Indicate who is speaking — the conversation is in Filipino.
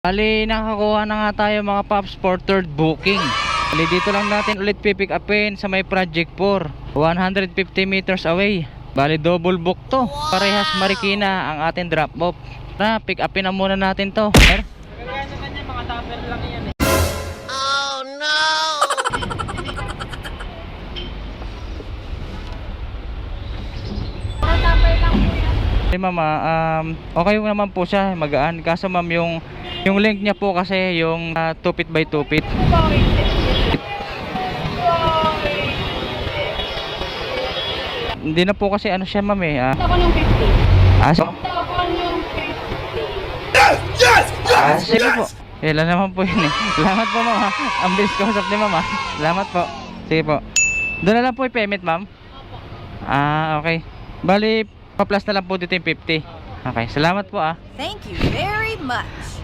Speaker 1: Bali, nakakuha na nga tayo mga paps for third booking. Bali, dito lang natin ulit pipick upin sa may Project 4, 150 meters away. Bali, double book to. Parehas Marikina ang ating drop off. Na, pick upin na muna natin to.
Speaker 2: Kaya naman yan, mga tupper lang yan eh.
Speaker 3: Oh no!
Speaker 1: Hey mama, okay naman po siya, magaan. Kaso ma'am, yung length niya po kasi yung 2 feet by 2 feet. Hindi na po kasi ano siya ma'am eh.
Speaker 4: Ako ng 50.
Speaker 1: So,
Speaker 4: Ako ng 50.
Speaker 1: sige po. Kailan naman po yun eh. Salamat po ma'am ha. Ang bilis ko usap ni ma'am ha. Salamat po. Sige po. Doon na lang po i-payment ma'am. Okay. Bali, pa-plus na lang po dito yung 50. Okay, salamat po ah.
Speaker 3: Thank you very much.